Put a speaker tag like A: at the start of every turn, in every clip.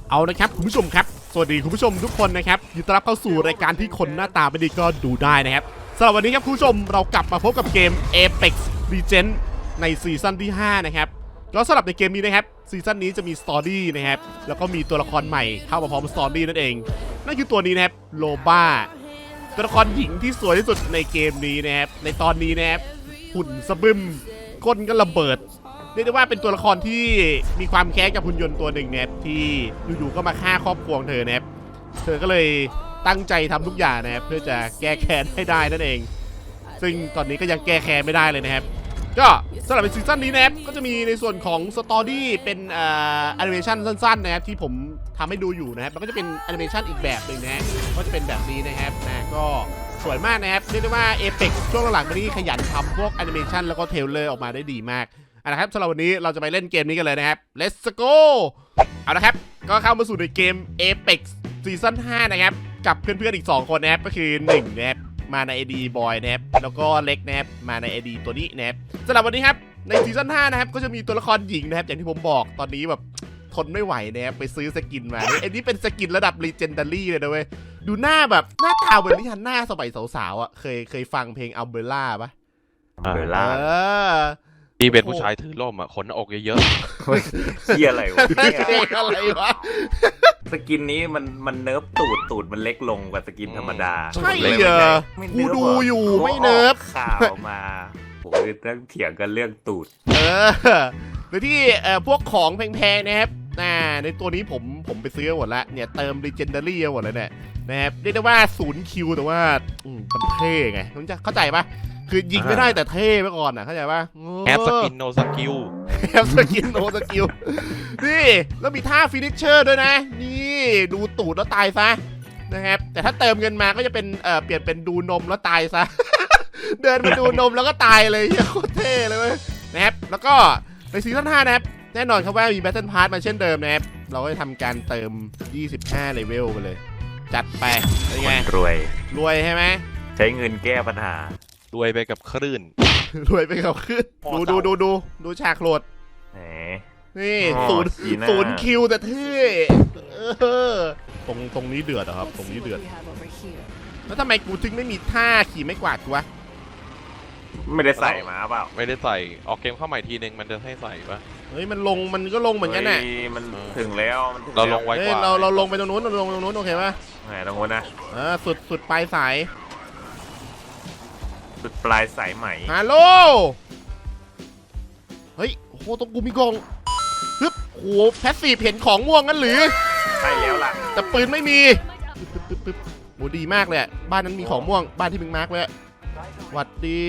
A: เอาละครับคุณผู้ชมครับสวัสดีคุณผู้ชมทุกคนนะครับยินดีต้อนรับเข้าสู่รายการที่คนหน้าตาไม่ดีก็ดูได้นะครับสำหรับวันนี้ครับคุณผู้ชมเรากลับมาพบกับเกม Apex Legends ในซีซั่นที่5นะครับก็สำหรับในเกมนี้นะครับซีซั่นนี้จะมีสตอรี่นะครับแล้วก็มีตัวละครใหม่เข้ามาพร้อมสตอรี่นั่นเองนั่นคือตัวนี้นะครับโลบ้าตัวละครหญิงที่สวยที่สุดในเกมนี้นะครับในตอนนี้นะครับหุ่นสะบึมก้นก็ระเบิดเรียกได้ว่าเป็นตัวละครที่มีความแค้นกับหุ่นยนต์ตัวหนึ่งนะครับที่อยู่ๆก็มาฆ่าครอบครัวเธอนะครับเธอก็เลยตั้งใจทำทุกอย่างนะครับเพื่อจะแก้แค้นให้ได้นั่นเองซึ่งตอนนี้ก็ยังแก้แค้นไม่ได้เลยนะครับก็สำหรับในซีซั่นนี้นะครับก็จะมีในส่วนของสตอรี่เป็นแอนิเมชันสั้นๆนะครับที่ผมทำให้ดูอยู่นะครับแล้วก็จะเป็นแอนิเมชันอีกแบบหนึ่งนะก็จะเป็นแบบนี้นะครับก็สวยมากนะครับเรียกได้ว่า Apex ช่วงหลังๆมานี้ขยันทำพวกแอนิเมชันแล้วก็เทรลเลอร์ออกมาได้ดีมากนะครับสำหรับวันนี้เราจะไปเล่นเกมนี้กันเลยนะครับ Let's go เอาละครับก็เข้ามาสู่ในเกม Apex ซีซั่น5นะครับกับเพื่อนๆอีก2คนนะครับก็คือ1นะครับมาใน ID บอยนะครับแล้วก็เล็กนะครับมาใน ID ตัวนี้นะครับสำหรับวันนี้ครับในซีซั่น5นะครับก็จะมีตัวละครหญิงนะครับอย่างที่ผมบอกตอนนี้แบบทนไม่ไหวนะครับไปซื้อสกินมาอันนี้เป็นสกินระดับ Legendary เลยนะเว้ยดูหน้าแบบหน้าตาเหมือนที่ฮันน่าสมัยสาวๆอ่ะเคยฟังเพลง Umbrella ปะ
B: Umbrella
C: พี่เป็นผู้ชายถือร่มอ่ะขนอกเยอะ
B: เฮียอะไรวะ
A: อะไรวะ
B: สกินนี้มันเนิร์ฟตูดมันเล็กลงกว่าสกินธรรมดา
A: ใช่เหรอกูดูอยู่ไม่เนิร์ฟ
B: ข่าวมาผมต้องเถียงกันเรื่องตูด
A: หรือที่พวกของแพงๆนะครับในตัวนี้ผมไปซื้อหมดแล้วเนี่ยเติม Legendary หมดเลยเนี่ยนะครับเรียกได้ว่า0คิวแต่ว่ามันเท่ไงมันจะเข้าใจปะคือยิงไม่ได้แต่เท่ไปก่อนอ่ะเข้าใจปะ
C: ๆแอปสกินโนสกิล
A: แอปสกินโนสกิลนี่แล้วมีท่าฟินิชเชอร์ด้วยนะนี่ดูตูดแล้วตายซะนะครับแต่ถ้าเติมเงินมาก็จะเป็นเปลี่ยนเป็นดูนมแล้วตายซะ เดินไปดูนมแล้วก็ตายเลยโคตรเท่เลยเว้ยนะครับแล้วก็ในซีซั่น5นะครับแน่นอนครับว่ามี Battle Pass มาเช่นเดิมนะครับเราก็จะทำการเติม25เลเวลไปเลยจัดไปเป็นไงรวยใช่ไหม
B: ใช้เงินแก้ปัญหา
C: รวยไปกับคลื่น
A: รวยไปกับขึ้นดูฉากโหลดนี่ศูนย์คิวแต่เท่ตรงนี้เดือดครับตรงนี้เดือดแล้วทำไมกูถึงไม่มีท่าขี่ไม่กวาดกูวะ
B: ไม่ได้ใส่มาเปล่า
C: ไม่ได้ใส่ออกเกมเข้าใหม่ทีนึงมันจะให้ใส่ปะ
A: เฮ้ยมันก็ลงเหมือนกันน่ะ
B: มันถึงแล้ว
C: เราลงไว้กว่า
A: เราลงไปตรงนู้นเราลงตรงนู้นโอเคปะ
B: ตรงนู้นนะ
A: สุดปลายสาย
B: สุดปลายสายไหม
A: ฮัลโหลเฮ้ยโอ้โหตรงกูมีกองฮึบโอ้โหแพสซีฟเห็นของม่วงงั้นหรือ
B: ใช่แล้วล่ะ
A: แต่ปืนไม่มีปึ๊บโหดีมากเลยบ้านนั้นมีของม่วงบ้านที่มึงมาร์กไว้หวัดดี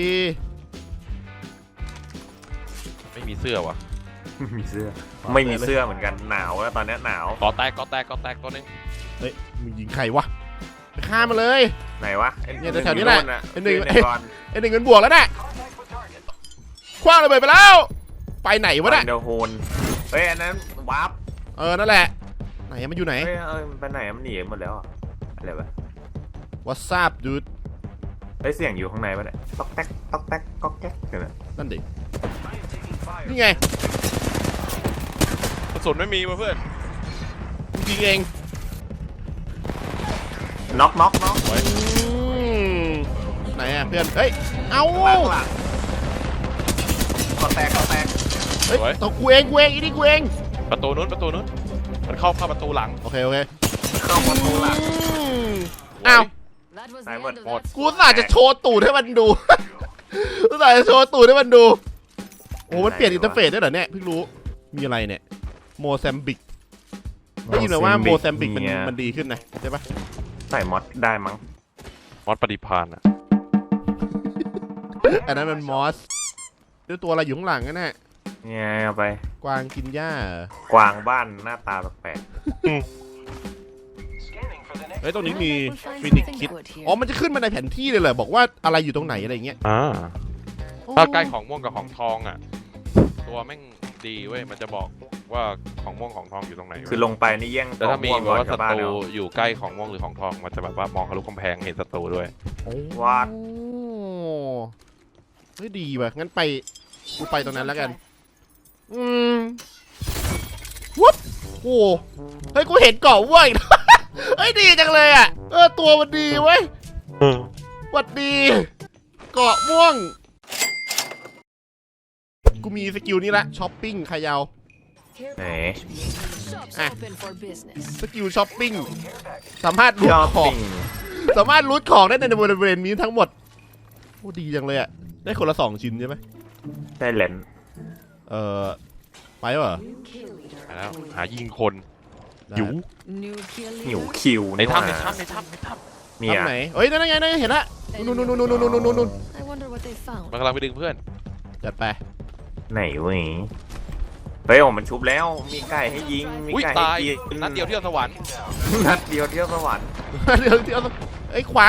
C: ไม่มีเสื้อวะ
B: มีเสื้อไม่มีเสื้อเหมือนกันหนาวแล้วตอนนี้หนาว
C: ก่อแตกตัวนึง
A: เฮ้ยมึงยิงใครวะไปฆ่ามาเลย
B: ไหนวะ
A: เนี่ยแถวนี้แหละไอ้หนึ่งเงินบวกแล้วน่ะคว้างระเบิดไปแล้วไปไหนวะเนี่ย
B: เดอะโฮนเฮ้ยอันนั้นวาร์ป
A: นั่นแหละไหนมันอยู่ไหน
B: มันไปไหนมันหนีหมดแล้วอะไรวะ
A: What's up dude
B: เสียงอยู่ข้างในปะเนี่ยต๊อกแต๊กต๊อกแต๊กก๊อกแก๊ก
A: นั่นดินี่ไง
C: กระสุนไม่มีเพื่อน
A: ยิงเอง
B: น็อก
A: ไหนอ่ะเพื่อนเฮ้ยเอา
B: ก็แตก
A: เฮ้ยตัวกูเองอีนี่กูเอง
C: ประตูนู้นมันเข้าประตูหลัง
A: โอเค
B: เข้าประตูหลัง
A: อ้าว
B: สายหมด
A: กูน่าจะโชว์ตูดให้มันดูกูน่าจะโชว์ตูดให้มันดูโอ้มันเปลี่ยนอินเทอร์เฟซได้เหรอเนี่ยเพิ่งรู้มีอะไรเนี่ยโมแซมบิกได้ยินว่าโมแซมบิกมันดีขึ้นนะใช่ปะ
B: ใส่มอสได้มั้ง
C: มอสปฏิภาณอ่ะ
A: อันนั้นมันมอสด้วยตัวอะไรอยู่ข้างหลังนั่นแหละ
B: เนี่ยเอาไป
A: กวางกินหญ้
B: ากวางบ้านหน้าตาแปลก
A: เฮ้ยตรงนี้มีฟินิกคิดมันจะขึ้นมาในแผนที่เลยเหรอบอกว่าอะไรอยู่ตรงไหนอะไรเงี้ย
C: ถ้าใกล้ของม่วงกับของทองอ่ะตัวแม่งดีเว้ยมันจะบอกว่าของม่วงของทองอยู่ตรงไหน
B: คือลงไปนี่แย่ง
C: แต่ถ้ามีแบบว่าศัตรูอยู่ใกล้ของม่วงหรือของทองมันจะแบบว่ามองทะลุกำแพงเห็นศัตรูด้วย
B: ว้า
A: เฮ้ยดีว่ะงั้นกูไปตรงนั้นแล้วกันวุ๊บโโอ้เฮ้ยกูเห็นเกาะว่วย เฮ้ยดีจังเลยอ่ะตัวมันดีเว้ยหวัดดีเกาะม่วงกูมีสกิลนี้ละช้อปปิ้งขยาว
B: ไหน
A: สกิลช้อปปิ้งสามารถรูด
B: ช้อป
A: ของ
B: ปิ้ง
A: สามารถรูดของได้ในบริเวณนี้ทั้งหมดโอ้ดีจังเลยอ่ะได้คนละ2 ชิ้นใช่ไหม
B: ได้เลน
A: ไปเหรอ
C: ไปแล้วหายิงคน
A: ได้
C: หิว
B: หิวคิว
C: ใน
B: นี่หว่า
C: ถ้ำในถ้ำ
B: เนี่ย
A: ทำไหนเฮ้ยนั่นไงเห็นละนู่น
C: มันกำลังไปดึงเพื่อน
A: จัดไป
B: ไหนเว้ยเฮ้ยโอ้มันชุบแล้วมีไก่ให้ยิงมี
C: อุ้ย
B: ไก่
C: ตาย
B: ให้กิน
C: นัดเดียวเที่ยวสวรรค์
B: นัดเดียวเที่ยวสวรรค์
A: เดี๋ยวไอ้ยขวา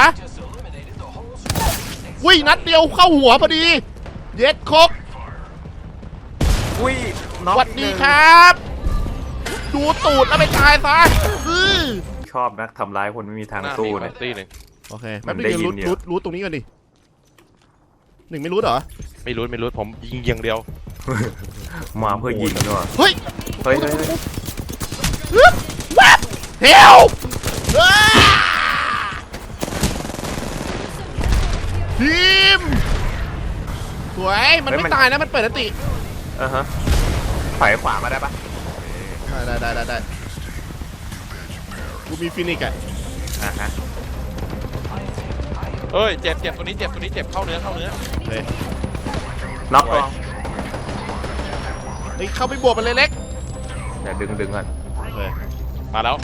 A: วิ่งนัดเดียวเข้าหัวพอดีเย็ดคก
B: อุ้ย
A: สวัสดีครับ ดูตูดแล้วไปตายซะ
B: ชอบนักทำร้ายคนไม่มีทาง
C: หน้า
B: สู้
C: มี
B: เนี่ย
C: ตีหนึ่ง
A: โอเค
B: มั
A: แป๊บ
B: น
A: นึ
B: ได้
A: ง
B: ยิ
A: รู
B: น
A: ด
B: อยู่
A: รูดตรงนี้ก่อนดิ1ไม่รู้เหรอ
C: ไม่รู้ผมยิงอย่างเดียว
B: มาเพื่อยิงด้วย
A: เฮ้ย
B: เฮ้ย
A: แวบเฮลทีมสวยมันไม่ตายนะมันเปิดอันติ
B: ฮะถอยขวามาได้ปะ
A: ได้กูมีฟินิกอะ
B: ฮะ
C: เอ้ยเจ็บตัวนี้เจ็บเข้าเนื้อ
A: เฮ้ย
B: น็อกตัว
A: เฮ้ยเข้าไปบวกมันเลยเล็ก
B: เดี๋ยวดึงก่อน
A: เฮ้ย
C: มาแล้ว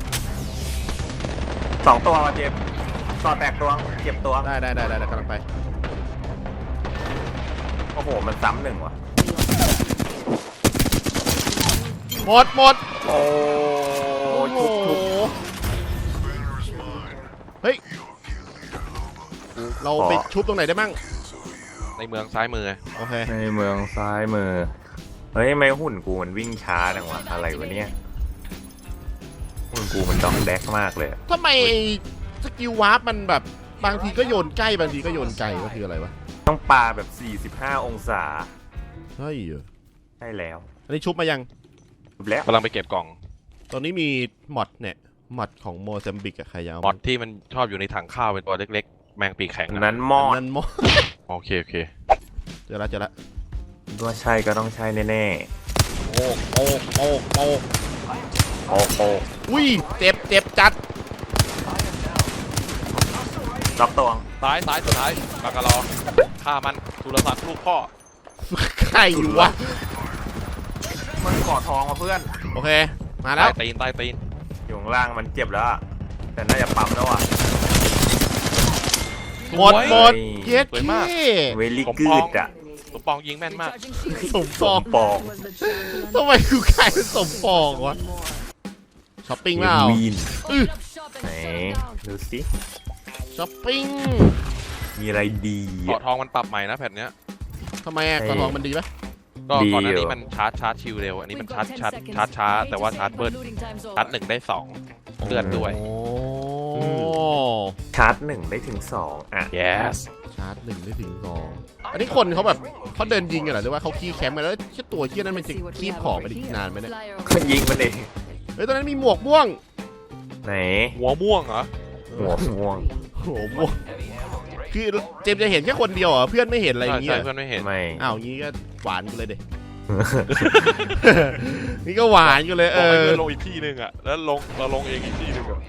B: 2 ตัวเจ็บต่อแตกตัวเจ็บตัว
A: ได้กำลังไป
B: โอ้โหมันซ้ำหนึ่งว่ะ
A: หมด
B: โอ้
A: โอ้โหเฮ้ยเราไปชุบตรงไหนได้มั่ง
C: ในเมืองซ้ายมือ
A: โอเค
B: ในเมืองซ้ายมือเฮ้ยไม่หุ่นกูมันวิ่งช้าจังวะอะไรวะเนี่ยหุ่นกูมันดอกแดกมากเลย
A: ทำไมสกิลวาร์ปมันแบบบางทีก็โยนใกล้บางทีก็โยนไกลก็คืออะไรวะ
B: ต้องปาแบบ45 องศา
A: เฮ้ย
B: ใช่แล้ว
A: อันนี้ชุบมายัง
B: จบแล้ว
C: กำลังไปเก็บกล่อง
A: ตอนนี้มีมอดเนี่ยมอดของโมซัมบิกอะใครยาว
C: มอดที่มันชอบอยู่ในถังข้าวเป็นตัวเล็กๆ แมงปีกแข็ง
B: นั้นมอด
A: นั่นมอด
C: โอเค
A: เจอละ
B: ว่าใช่ก็ต้องใช่แน่
A: โอ้
B: ๆโอ้โห
A: อุ้ยเจ็บจัด
B: น็อกตัว
C: ซ้ายสุดท้ายปากกาลอฆ่ามันสุรศักดิ์ลูกพ่อ
A: ใครวะ
B: มันกอดทองมาเพื่อน
A: โอเคมาแล้ว
C: ใต้ตีน
B: อยู่ข้างล่างมันเจ็บแล้วอะแต่น่าจะปั๊มแล้วอ่ะ
A: หมดเย็ด
C: สวยมาก
A: เท่
B: เวลี่กูดอ่ะ
C: สมปองยิงแม่นมาก
A: สมปอง
B: ปอง
A: ทำไมกูกลายเป็นสมปองวะช้อปปิ้งเปล่า
B: วีน
A: อื้อ
B: ไหนดูสิ
A: ช้อปปิ้ง
B: มีอะไรดี
C: เกาะทองมันปรับใหม่นะแผ่นเนี้ย
A: ทำไมอะกระทองมันดีปะ
C: ก็ก่อนหน้านี้มันชาร์จชิวเร็ว อันนี้มันชาร์จช้าแต่ว่าชาร์จเบิร์ดชาร์จ1ได้2เลื่อนด้วย
A: โอ้
B: ชาร์จ1ได้ถึง2อ่ะ
C: yes
A: ชาร์จ1ได้ถึง2อันนี้คนเขาแบบเขาเดินยิงกันเหรอหรือว่าเขาขี้แคมป์กันแล้วแค่ตัวขี้นั้นมันจะคีบของไปอีกนานไหมเนี่ย
B: ก็ยิงมันเอง
A: เฮ้ยตอนนั้นมีหมวกม่วง
B: ไหน
C: หัวม่วงเหรอ
B: หัวม่วง
A: โอ้โหม่วงคือเจมส์จะเห็นแค่คนเดียวเหรอเพื่อนไม่เห็นอะไรอย่างเงี้
C: ใช่
A: ย
C: เพื่อนไม่เห็น
B: ไม่
A: อ้าวงี้ก็หวานกูเลยเด็ นี่ก็หวานกูเลย
C: บอกให้เพื่อนลงอีกที่หนึ่งอ่ะ แล้วเราลงเองอีกที่หนึ่งอะ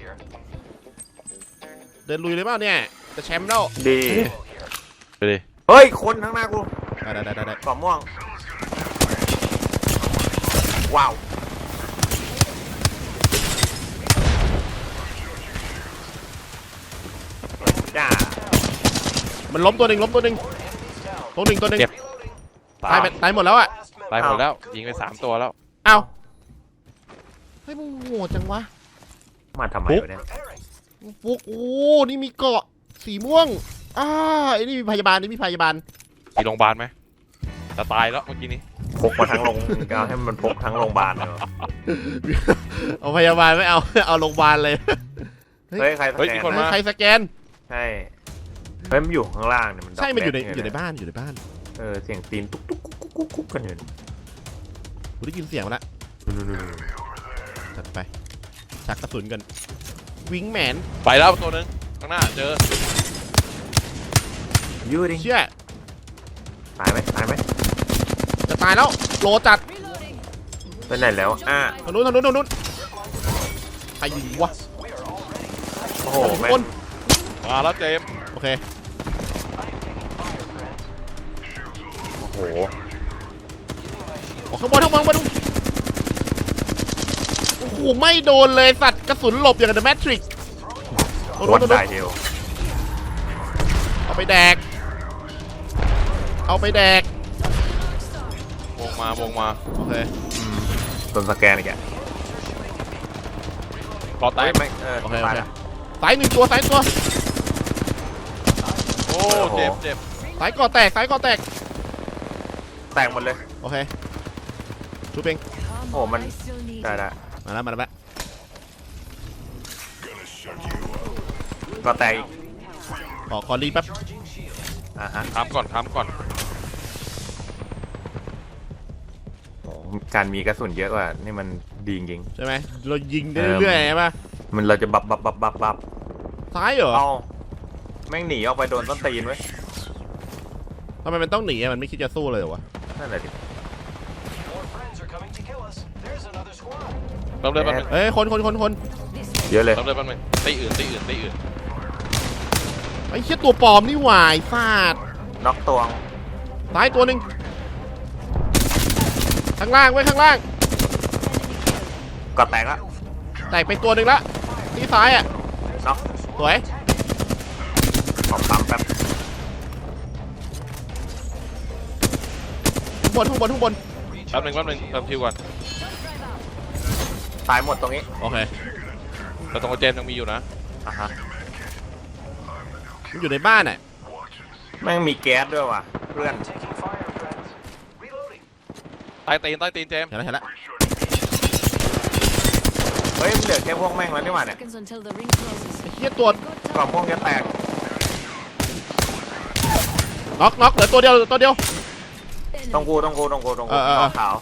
A: เดินลุยเลยเปล่าเนี่ยจะแชมป์แล้ว
B: ดี
C: ไปดิ
B: เฮ้ยคนข้างหน้ากู
A: ได้
B: กรอบม่วงว้าวจ้า
A: มันล้มตัวหนึ่งตัวหนึ่ง
C: ตา
A: ตายหมดแล้วอ่ะ
C: ตายหมดแล้ว ยิงไป3 ตัวแล้ว
A: เอ้าเฮ้ยมึงโหดจังวะ
B: มาทำไมวะเนี่ย
A: ฟุกโอ้นี่มีเกาะสีม่วงไอ้นี่มีพยาบาล
C: มีโรงพยาบาลไหมจะตายแล้วเมื่อกี้นี้
B: พกมาทั้งโรงก็ให้มันพกทั้งโรงพยาบาลเลย
A: เอาพยาบาลไม่เอา เอาโรงพยาบาลเลย
B: เฮ้ยใครส
C: เฮ้ย
B: แก
C: มี
B: น
C: คน
A: ใครสแกน
B: ใช่เฮ้ยมันอยู่ข้างล่างเนี่ยมัน
A: ใช่มันอยู่ใน
B: ดกแดก
A: บ้าน
B: เสียงตีนตุ๊กตุ๊กกุ๊กกุ๊กกุ๊กกันอยู่
A: กูได้ยินเสียงมาแล้วจัดไปชักกระสุนกันวิงแมน
C: ไปแล้วตัวหนึงข้างหน้าเจอ
B: ยูดิ
A: เชี่ย
B: ตายไหมตายไหม
A: จะตายแล้วโลจัด
B: ไปไหนแล้ว
A: ทางนู้นใครยิงวะ
B: โอ้โห
A: ทุก
B: แม่ง
A: คน
C: มาแล้วเจมส์
A: โอเค
B: โอ้โห
A: ออกข้างบนมาดูโอ้โหไม่โดนเลยสัตว์กระสุนหลบอย่างกับ The Matrix
B: วัดได้เดียว
A: เอาไปแดก
C: วงมา
A: โอเค
B: โดนสแกนอีกอ่ะ
C: พอแตก
B: ไม่
A: โอเค
B: ตายละ
A: สายหนึ่งตัว
C: โอ้เจ็บ
A: สายก่อแตก
B: แตกหมดเลย
A: โอเคชูเปง
B: โอ้มันได้ละ
A: มาแล้ว
B: ก็แตกอีก
A: ขอรีแป๊บ
B: ฮะ
C: ถามก่อน
B: โอ้การมีกระสุนเยอะกว่านี่มันดีจริง
A: ใช่ไหมเรายิงได้เรื่อยๆใช่ปะ
B: ๆมันเราจะบับ
A: ซ้ายเหรอ
B: เอาแม่งหนีออกไปโดนต้นตีนไว้ย
A: ทำไมมันต้องหนีอะมันไม่คิดจะสู้เลยเหรอวะ
B: นั่นแหละดิ
C: เริ่มเลยแป๊บนึง
A: เอ้ยคน
B: เยอะเลย
C: เริ่มเลยแป๊บนึงตีอื่น
A: ไอ้เชี่ยตัวปลอมนี่หวายฟาด
B: น็อกตัวง
A: ซ้ายตัวหนึ่งข้างล่างไว้ข้างล่าง
B: ก็แตกละ
A: แตกไปตัวหนึ่งละที่ซ้ายอ่ะ
B: น็อก
A: สวย
B: ขอปั๊มแป๊บ
A: ข้างบน
C: แป๊บนึงเติมคิวก่อน
B: ตายหมดตรงนี้
A: โอเค
C: แต่ตรงกับเจมส์ยังมีอยู่นะ
B: ฮะ
A: มันอยู่ในบ้านอ่ะ
B: แม่งมีแก๊สด้วยว่ะเพื่อน
C: ใต้ตีนเจมส์
A: เห็นแล้ว
B: เฮ้ยมันเหลือแค่พวกแม่งแล้วนี่หว่าเนี่ย
A: ไอ้เชี่ยตัว
B: กล่องพวกจะแตก
A: น็อกเหลือตัวเดียว
B: ต้องกูขาว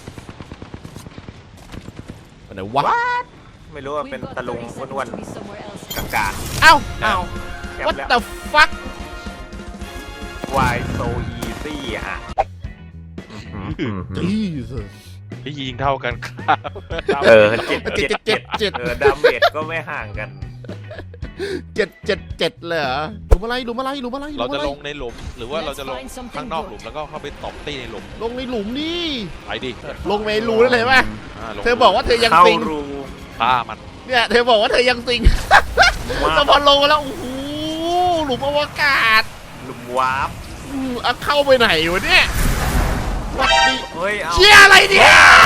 A: ไหนวะ
B: ไม่รู้ว่าเป็นตะลุงอ้วนๆกาก
A: เอ้า
B: ๆอ้าวแก๊ป
A: what
B: แล้ว
A: the fuck
B: Why so easy อ่ะ
A: Jesus
C: ที่ยิงเท่ากันครับ
B: 7 ดาเมจก็ไม่ห่างกัน
A: 7เลยเหรอหลุมอะไร
C: เราจะลงในหลุมหรือว่าเราจะลงข้างนอกหลุมแล้วก็เข้าไปตบตีในหลุม
A: ลงในหลุมนี่
C: ไปดิ
A: ลงในรูได้เลยป่ะ
C: ลง
A: เธอบอกว่าเธอยัง
B: เข้า
A: ซิง
B: รู
C: ฆ่ามัน
A: เนี่ยเธอบอกว่าเธอยังซิง
B: ว้า
A: แต่
B: ว
A: พอลงมาแล้วโอ้โหหลุมอวกาศ
B: หลุมวาร์ป
A: เอาเข้าไปไหนวะเนี่ยวัดดี
B: เฮ้ยเอา
A: เชี่ยอะไรเนี่ย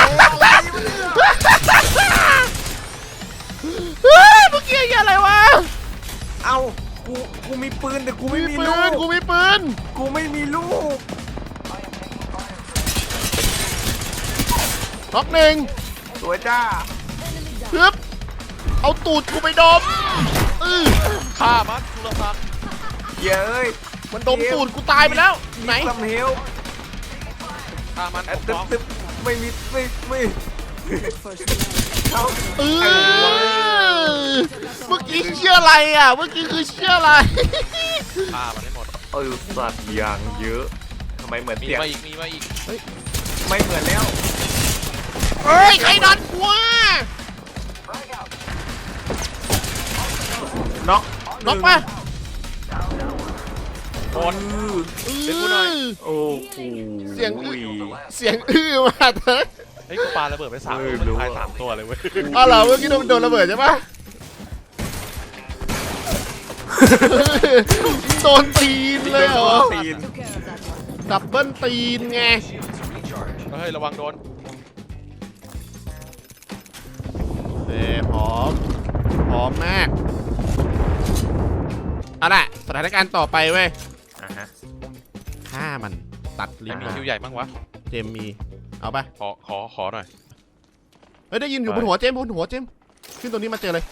A: เฮ้ยเมื่อกี้อะไรวะ
B: เอากูมีปืนแต่กูไม่มี
A: ปื
B: ลู
A: น
B: ก
A: กูมีปืน
B: กูไม่มีลูก
A: น็อกหนึ่ง
B: สวยจ้า
A: ปึ๊บเอาตูดกูไปดม
C: ฆ่ามันสุรศักดิ์
B: เย้ย
A: มันดมตูดกูตายไปแล้วไหน
B: ซัมเฮล
C: ฆ่ามัน
B: ตึ๊บไม่มีไม่เข้า
A: เมื่อกี้เชื่ออะไรอ่ะเมื่อกี้คือเชื่ออะไร
C: ฆ่ามันให้หมด
B: สัตว์อย่างเยอะทำไมเหมือน
C: มี
B: เสียง
C: มาอีก
B: ไม่เหมือนแล้ว
A: เฮ้ยใครดันกูวะ
B: น็อก
A: น็อกปะ
C: หมด เดี๋ยวกูหน่อย
B: โอ้โห
A: เสียงมาเถอะ
C: เฮ้ยกูปาระเบิดไป3 ตัวมันตาย3 ตัวเลยเว้ย
A: อ๋อเหรอเมื่อกี้โดนระเบิดใช่ปะโดนตีนเลยเหรอ
B: ตีน
A: ดับเบิลตีนไง
C: เฮ้ยระวังโดน
A: พร้อมมากเอาล่ะสถานการณ์ต่อไปเว้ย
B: ฮะ
A: ฆ่ามันตัดลิ้น
C: มี
A: มัน
C: คิวใหญ่มั้งวะ
A: เจมมีเอาปะ
C: ขอหน่อย
A: เฮ้ยได้ยินอยู่บนหัวเจมขึ้นตรงนี้มาเจอเลย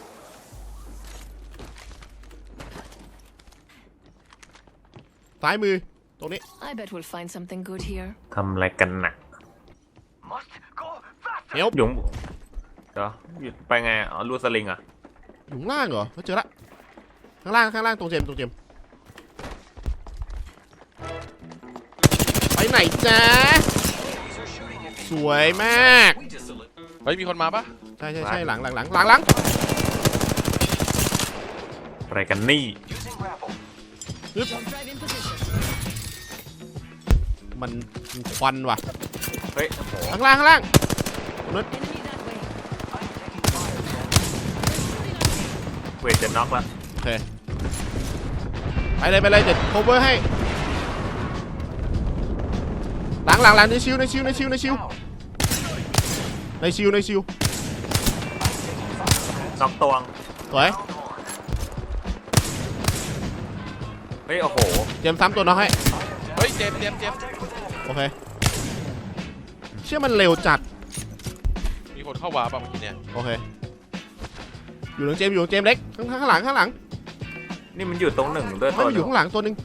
A: ซ้ายมือตรงนี้
D: I bet we'll find something good here.
B: ทำอะไรกันหนัก
A: เฮล
B: หยุงเดี๋ยวหยุดไปไงอ๋อรูสลิงอ่ะ
A: อยู่ข้างล่างเหรอเจอละข้างล่างตรงเจมไปไหนจ๊ะสวยมาก
C: เฮ้ยมีคนมาปะ
A: ใช่หลัง
B: อะไรกันนี่
A: มันควันว่ะ
B: เฮ้ยโอ้โห
A: ข้างล่างนั้น
B: เวทจะน็อกละ
A: โอเคไปเลยเดี๋ยว cover ให้หลังในชิว
B: น็อกตวง
A: สวย
B: เฮ้ยโอ้โห
A: เจมซ้ำตัวน้องให้
C: เฮ้ยเจมส์
A: โอเคเชื่อมันเร็วจัด
C: มีคนเข้าวาร์ปป่ะเมื่อกี้เนี่ย
A: โอเคอยู่หลังเจมเล็กข้างหลัง
B: นี่มันอยู่ตรงหนึ่งด้วย
A: ไม่
B: ตัว
A: มันอยู่ข้างหลังตัวหนึง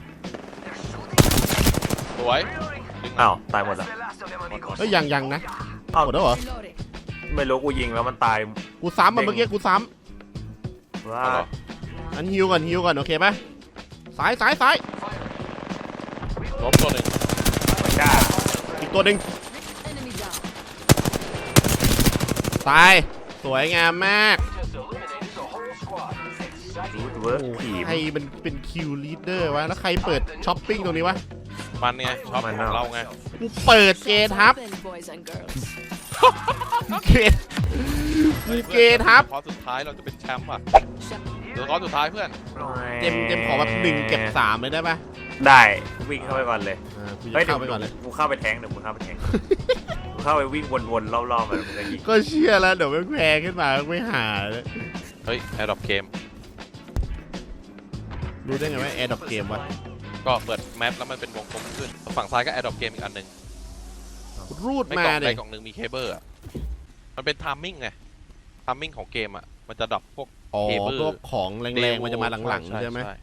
C: สวยดึง
B: อ้าวตายหมดละ
A: เอ้ยยังนะ
B: อ้าว
A: หมดแล้วเหรอ
B: ไม่รู้กูยิงแล้วมันตาย
A: กูซ้ำมันเมื่อกี้กูซ้
B: ว่า
C: เอาเหรอ
A: ำอันฮิวก่อนโอเคปะซ้าย
C: ล้มตัวหนึ่ง
B: ไม่กล้า
A: อีกตัวหนึ่งตายสวยงามมาก
B: รูดเวิร์กทีม
A: ใครมันเป็นคิวลีดเดอร์วะแล้วใครเปิดช้อปปิ้งตรงนี้วะ
C: มันไงชอบ
B: มัน
C: ของ
B: เนอะ
C: เราไง
A: กูเปิดเกทับ
D: Boys and girls.
A: เกเกทับ
C: คอร์สสุดท้ายเราจะเป็นแชมป์อ่ะเดี๋ยวคอร์สสุดท้ายเพื่อน
A: เจมขอแบบ1เก็บ3เลยได้ปะ
B: ได้วิ่งเข้าไปก่อนเลย
A: กู
B: เฮ้ย
A: จะเข้าไปก่อนเลย
B: กูเข้าไปแทงเดี๋ยวมึงเข้าไปแทงกูเข้าไปวิ่งวนๆรอบๆมันมึงจะยิง
A: ก็เชื่อแล้วเดี๋ยวแม่งแพงขึ้นมาไม่หาเลย
C: เฮ้ยแอร์ดรอปเกม
A: รู้ได้ไงว่าแอร์ดรอปเกมวะ
C: ก็เปิดแมปแล้วมันเป็นวงกลมขึ้นฝั่งซ้ายก็แอร์ดรอปเกมอีกอันหนึ่ง
A: รูด
C: ไม่
A: มาก
C: ล่อง
A: เล
C: ใด
A: ย
C: กล่องหนึ่งมีเคเบิลอ่ะมันเป็นไทามมิ่งไงไทามมิ่งของเกมอ่ะมันจะดรอปพวก
A: อ๋อ
C: เคเบิล
A: พวกของแรงๆมันจะมาหลัง
C: ใช่
A: ๆใช่ไหม
C: ใช่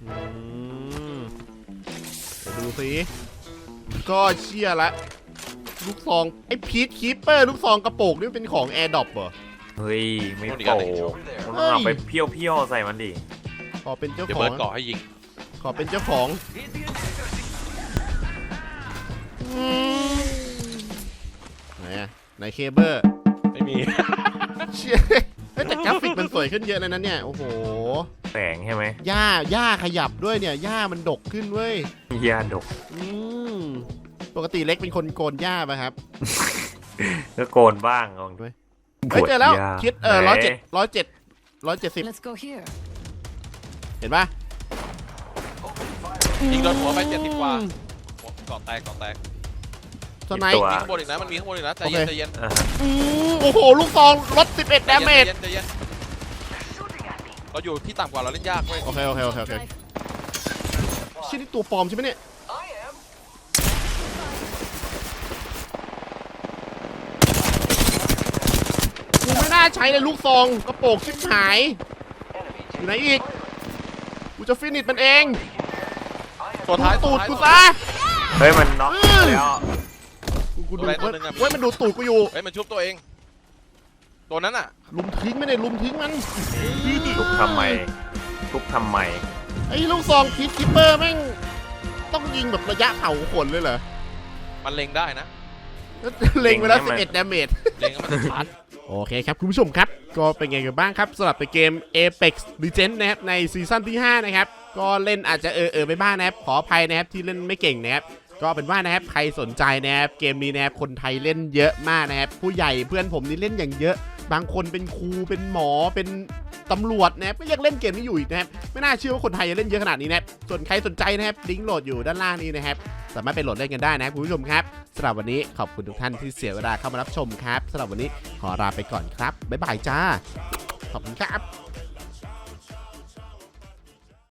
A: เดี๋ยวดูสิก็เชื่อละลูกซองไอ้พีทคีปเปอร์ลูกซองกระโปรงนี่เป็นของแอร์ดรอปเหรอ
B: เฮ้ยไม่โปมันต้องเอาไปเพี้ยวๆใส่มันดิ
A: ขอเป็นเจ้า
C: เดี๋ยว
A: ขอ
C: เบิ
A: ง
C: ร์ดเกาะให้ยิง
A: ขอเป็นเจ้าของไหนอะไหนเคเบิล
C: ไม่มี
A: เชี่ยเฮ้ยแต่กราฟิกมันสวยขึ้นเยอะเลยนะเนี่ยโอ้โห
B: แสงใช่ไหม
A: หญ้าขยับด้วยเนี่ยหญ้ามันดกขึ้นเว้ย
B: ยาดก
A: ปกติเล็กเป็นคนโกนหญ้าป่ะครับ
B: ก็โกนบ้างลอง
A: ด้วย เฮ้ยเจอแล้วคิด
B: ไหน
A: 170
D: Let's go here.
A: เห็นป่ะ
C: ยิงโดนหัวไป70 กว่าเกาะแตก
A: สไนป์
C: มีข้างบนอีกนะมันมีข้างบนอีกนะใจเย็น
A: โอเค
C: ใจเย็น
A: โอ้โหลูกซองลด11 ดาเมจ
C: ใจเย็นเราอยู่ที่ต่ำกว่าเราเล่นยากเว้ย
A: โอเคชิ้นนี้ตัวปลอมใช่ไหมเนี่ยกูไม่น่าใช้เลยลูกซองกระโปรงชิบหายอยู่ไหนอีกกูจะฟินิชมันเอง
C: ตัวท้าย
A: ตูด
C: ท้าย
A: กูซะ
B: เฮ้ยมันน็อกแล้ว
A: กูดูเว้ยมันดูดตูดกูอยู่
C: เฮ้ยมันชุบตัวเองตัวนั้นอ่ะ
A: ลุมทิ้งไม่ได้ลุมทิ้งมัน
B: ทุบทำไม
A: ไอ้ลูกซองพีทคิปเปอร์แม่งต้องยิงแบบระยะเผาขนเลยเหรอ
C: มันเล็งได้นะ
A: เล็งไปแล้ว11 ดาเมจ
C: เล็งแล้วมันจะชาร์จ
A: โอเคครับคุณผู้ชมครับก็เป็นไงกันบ้างครับสำหรับในเกม Apex Legends นะครับในซีซั่นที่ 5 นะครับก็เล่นอาจจะไปบ้างนะครับขออภัยนะครับที่เล่นไม่เก่งนะครับก็เป็นว่านะครับใครสนใจนะครับเกมนี้นะครับคนไทยเล่นเยอะมากนะครับผู้ใหญ่เพื่อนผมนี่เล่นอย่างเยอะบางคนเป็นครูเป็นหมอเป็นตำรวจนะครับก็ยังเล่นเกมนี้อยู่อีกนะครับไม่น่าเชื่อว่าคนไทยจะเล่นเยอะขนาดนี้นะครับส่วนใครสนใจนะครับลิงก์โหลดอยู่ด้านล่างนี้นะครับสามารถไปโหลดเล่นกันได้นะครับคุณผู้ชมครับสำหรับวันนี้ขอบคุณทุกท่านที่เสียเวลาเข้ามารับชมครับสำหรับวันนี้ขอลาไปก่อนครับบ๊ายบายจ้าขอบคุณครับ